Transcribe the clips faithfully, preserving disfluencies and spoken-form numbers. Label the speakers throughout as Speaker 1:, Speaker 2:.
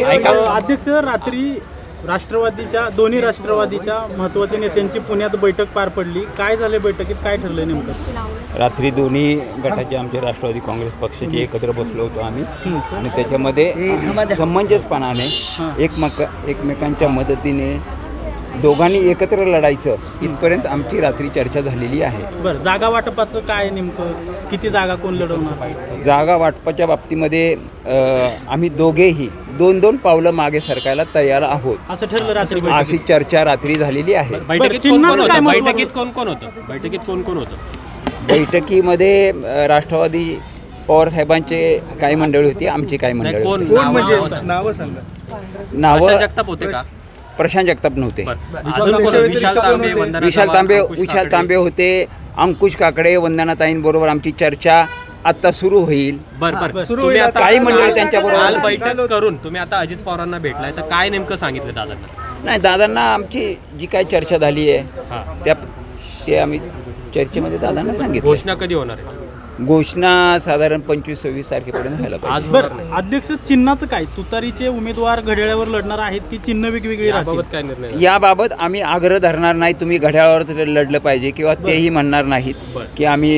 Speaker 1: अध्यक्ष रात्री राष्ट्रवादीच्या दोन्ही राष्ट्रवादीच्या महत्त्वाच्या नेत्यांची पुण्यात बैठक पार पडली. काय झाले बैठकीत, काय ठरलं नेमकं?
Speaker 2: रात्री दोन्ही गटाचे आमचे राष्ट्रवादी काँग्रेस पक्षाचे एकत्र बसलो होतो आम्ही आणि त्याच्यामध्ये समंजसपणाने एकमेक एकमेकांच्या मदतीने दोघांनी एकत्र लढायचं इथपर्यंत आमची रात्री चर्चा झालेली आहे.
Speaker 1: बरं, जागा वाटपाचं काय नेमकं, किती जागा कोण लढवणार?
Speaker 2: जागा वाटपाच्या बाबतीमध्ये आम्ही दोघेही दोन दोन पावलं मागे सरकायला तयार आहोत
Speaker 1: असं ठरलं रात्री.
Speaker 2: अशी चर्चा रात्री झालेली आहे.
Speaker 3: बैठकीत कोण कोण होतं बैठकीत कोण कोण होतं बैठकीत कोण कोण होतं
Speaker 2: बैठकीमध्ये राष्ट्रवादी पवार साहेबांचे काही मंडळी होती, आमची काही मंडळी होती.
Speaker 4: नावं सांगा.
Speaker 2: नावं
Speaker 3: जगताप होते का?
Speaker 2: प्रशांत जगताप नव्हते.
Speaker 3: विशाल तांबे
Speaker 2: विशाल तांबे विशाल तांबे होते. अंकुश काकडे, वंदनाताईंबरोबर आमची चर्चा आता सुरू होईल.
Speaker 3: बरं बरं
Speaker 4: सुरू
Speaker 3: तुम्ही
Speaker 4: होईल.
Speaker 3: आता
Speaker 2: काही मंडळी त्यांच्याबरोबर
Speaker 3: काल बैठक करून तुम्ही आता अजित पवारांना भेटलाय तर काय नेमकं सांगितलं दादांना?
Speaker 2: नाही, दादांना आमची जी काही चर्चा झाली आहे त्या ते आम्ही चर्चेमध्ये दादांना सांगितलं.
Speaker 3: घोषणा कधी होणार आहे?
Speaker 2: घोषणा साधारण पंचवीस सव्वीस तारखेपर्यंत व्हायला पाहिजे.
Speaker 3: आज
Speaker 1: बरं, अध्यक्ष चिन्हाचं काय? तुतारीचे उमेदवार घड्याळावर लढणार आहेत की चिन्ह वेगवेगळी राहतील?
Speaker 3: याबाबत काय निर्णय?
Speaker 2: याबाबत आम्ही आग्रह धरणार नाही तुम्ही घड्याळावर लढलं पाहिजे किंवा तेही म्हणणार नाहीत की आम्ही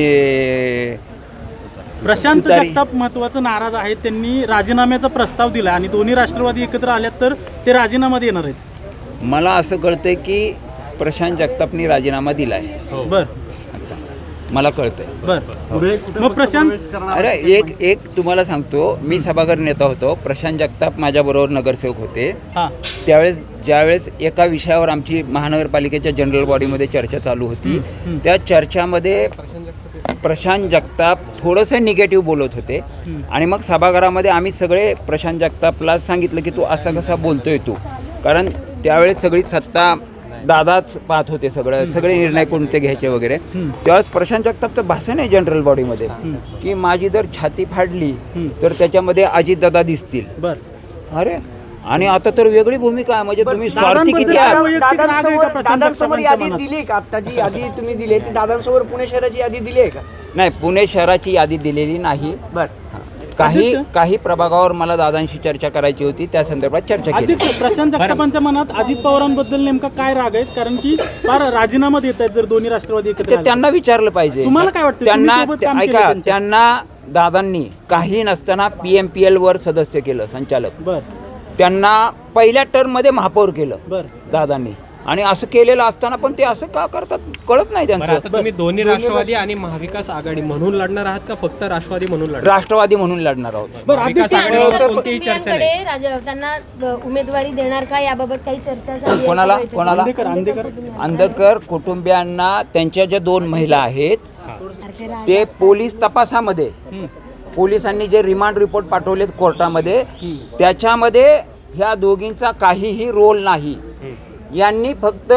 Speaker 1: प्रशांत
Speaker 2: तुतारी-
Speaker 1: जगताप महत्वाचं नाराज आहेत. त्यांनी राजीनाम्याचा प्रस्ताव दिला आणि दोन्ही राष्ट्रवादी एकत्र आल्यात तर ते राजीनामा देणार आहेत.
Speaker 2: मला असं कळतंय की प्रशांत जगतापनी राजीनामा दिला आहे.
Speaker 1: बर
Speaker 2: मला कळतंय.
Speaker 1: बर मग प्रशांत
Speaker 2: अरे एक एक तुम्हाला सांगतो, मी सभागृह नेता होतो. प्रशांत जगताप माझ्याबरोबर नगरसेवक होते.
Speaker 1: हां
Speaker 2: त्यावेळेस ज्यावेळेस एका विषयावर आमची महानगरपालिकेच्या जनरल बॉडीमध्ये चर्चा चालू होती, त्या चर्चामध्ये प्रशांत जगताप थोडंसं निगेटिव्ह बोलत होते आणि मग सभागृहामध्ये आम्ही सगळे प्रशांत जगतापला सांगितलं की तू असा कसा बोलतोय तू, कारण त्यावेळेस सगळी सत्ता दादाच पाहत होते, सगळं सगळे निर्णय कोणते घ्यायचे वगैरे. तेव्हाच प्रशांत जगतापचं भाषण आहे जनरल बॉडीमध्ये की माझी जर छाती फाडली तर त्याच्यामध्ये अजितदादा दिसतील.
Speaker 1: बर
Speaker 2: अरे आणि आता तर वेगळी भूमिका आहे, म्हणजे तुम्ही स्वार्थी किती आहात.
Speaker 5: दादांसमोर दादांसमोर यादी दिली आहे का? आत्ताची यादी तुम्ही दिली आहे ती दादांसमोर पुणे शहराची यादी दिली आहे का?
Speaker 2: नाही, पुणे शहराची यादी दिलेली नाही. काही काही प्रभागावर मला दादांशी चर्चा करायची होती, त्या संदर्भात चर्चा केली.
Speaker 1: अध्यक्ष, प्रशांत जगतापांच्या मनात अजित पवारांबद्दल नेमका काय राग आहेत? कारण की फार राजीनामा देत आहेत जर दोन्ही राष्ट्रवादी एकत्र
Speaker 2: ते
Speaker 1: आले.
Speaker 2: त्यांना विचारलं पाहिजे.
Speaker 1: तुम्हाला काय वाटतं?
Speaker 2: त्यांना
Speaker 1: तुम्ही सोबत काम केलं
Speaker 2: ऐका,
Speaker 1: त्यांच्या.
Speaker 2: त्यांना दादांनी काही नसताना पी एम पी एल वर सदस्य केलं, संचालक.
Speaker 1: बर
Speaker 2: त्यांना पहिल्या टर्म मध्ये महापौर केलं
Speaker 1: बर
Speaker 2: दादांनी, आणि असं केलेलं असताना पण ते असं का करतात कळत नाही
Speaker 3: बरं,
Speaker 2: त्यांचं.
Speaker 3: आता तुम्ही दोन्ही राष्ट्रवादी आणि महाविकास आघाडी म्हणून लढणार आहात का फक्त राष्ट्रवादी म्हणून लढणार?
Speaker 2: राष्ट्रवादी म्हणून लढणार आहोत.
Speaker 1: बरं,
Speaker 3: महाविकास
Speaker 1: अध्यक्ष,
Speaker 3: आघाडीवर कोणतीही चर्चा नाही.
Speaker 6: कुटुंबियांकडे राज- त्यांना अ, उमेदवारी देणार का याबाबत काही चर्चा झाली आहे?
Speaker 2: कोणाला
Speaker 6: बैठकीत?
Speaker 2: कोणाला
Speaker 1: अंधेकर अंधेकर
Speaker 2: अंधकर कुटुंबियांना त्यांच्या ज्या दोन महिला आहेत ते पोलीस तपासामध्ये पोलिसांनी जे रिमांड रिपोर्ट पाठवलेत कोर्टामध्ये त्याच्यामध्ये ह्या दोघींचा काहीही रोल नाही. यांनी फक्त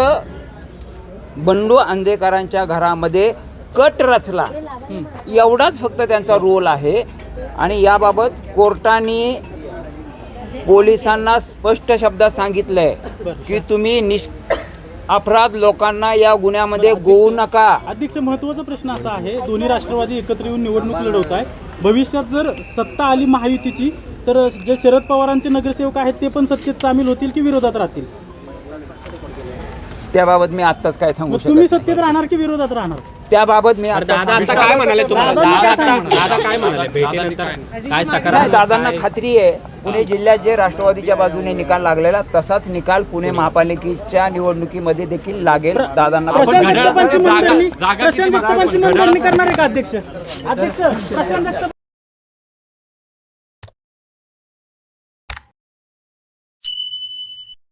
Speaker 2: बंडू अंधेकरांच्या घरामध्ये कट रचला एवढाच फक्त त्यांचा रोल आहे. आणि याबाबत कोर्टाने पोलिसांना स्पष्ट शब्दात सांगितलंय की तुम्ही निष अपराध लोकांना या गुन्ह्यामध्ये गोवू नका.
Speaker 1: अध्यक्ष, महत्त्वाचा प्रश्न असा आहे, दोन्ही राष्ट्रवादी एकत्र येऊन निवडणूक लढवत आहे. भविष्यात जर सत्ता आली महायुतीची तर जे शरद पवारांचे नगरसेवक आहेत ते पण सत्तेत सामील होतील की विरोधात राहतील?
Speaker 2: त्याबाबत मी आत्ताच काय सांगू
Speaker 1: मग
Speaker 2: शकत
Speaker 1: तुम्ही
Speaker 2: नाही.
Speaker 1: सत्तेत राहणार की विरोधात राहणार?
Speaker 2: त्याबाबत मी
Speaker 3: बरं,
Speaker 2: आता
Speaker 3: दादा
Speaker 2: सांगू
Speaker 3: आता काय म्हणाले तुम्हाला?
Speaker 1: दादा
Speaker 3: दादा
Speaker 1: काय
Speaker 3: आता
Speaker 1: सांगणार?
Speaker 3: दादा काय म्हणाले भेटीनंतर? काय
Speaker 2: नाही,
Speaker 3: सकारात्मक
Speaker 2: दादांना खात्री आहे पुणे जिल्ह्यात जे राष्ट्रवादीच्या बाजूने निकाल लागलेला तसाच निकाल पुणे महापालिकेच्या निवडणुकीमध्ये देखील लागेल. दादांना
Speaker 1: प्रशांत जगतापांची मनधरणी प्रशांत जगतापांची मनधरणी करणार आहे का अध्यक्ष? अध्यक्ष प्रशांत जगताप